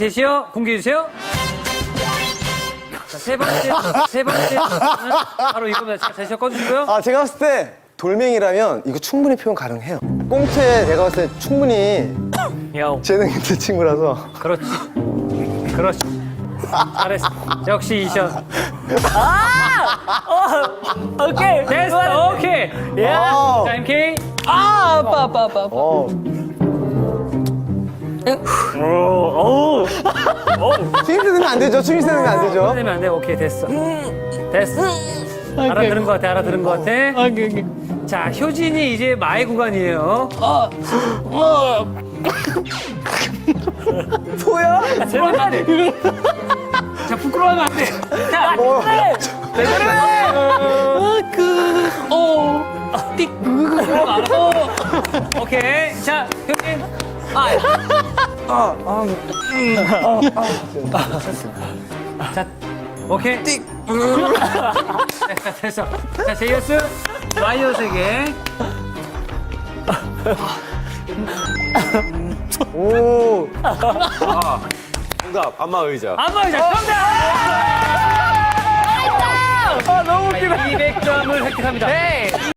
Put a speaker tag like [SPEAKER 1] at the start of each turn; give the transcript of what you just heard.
[SPEAKER 1] 제시어 공개해 주세요. 자, 세 번째 바로 이겁니다. 자, 제시어 꺼주시고요.
[SPEAKER 2] 아, 제가 봤을 때 돌멩이라면 이거 충분히 표현 가능해요. 꽁트에 내가 봤을 때 충분히
[SPEAKER 1] 야옹.
[SPEAKER 2] 재능 있는 친구라서.
[SPEAKER 1] 그렇지. 그렇지. 잘했어. 역시 이션.
[SPEAKER 3] 오케이.
[SPEAKER 1] 됐어. 오케이.
[SPEAKER 2] 어.
[SPEAKER 1] 자, MK.
[SPEAKER 3] 아빠.
[SPEAKER 2] 어. 추임새 넣으면 안 되죠. 추임새 넣으면 안 되죠.
[SPEAKER 1] 되면 안 돼. 오케이, 됐어. 됐어. 알아들은 것 같아. 알아들은 것 같아.
[SPEAKER 3] 오케이.
[SPEAKER 1] 자, 효진이 이제 마의 구간이에요.
[SPEAKER 2] 소야?
[SPEAKER 1] 부끄러워하면 안 돼. 자, 부끄러워하면 안 돼. 자, 오케이. 자, 효진. 자, 오케이. 됐어. 자, 제이어스 마이너스에게.
[SPEAKER 2] 오.
[SPEAKER 4] 정답, 안마 의자.
[SPEAKER 1] 안마 의자 정답! 아, 너무 웃기다. 200점을 획득합니다.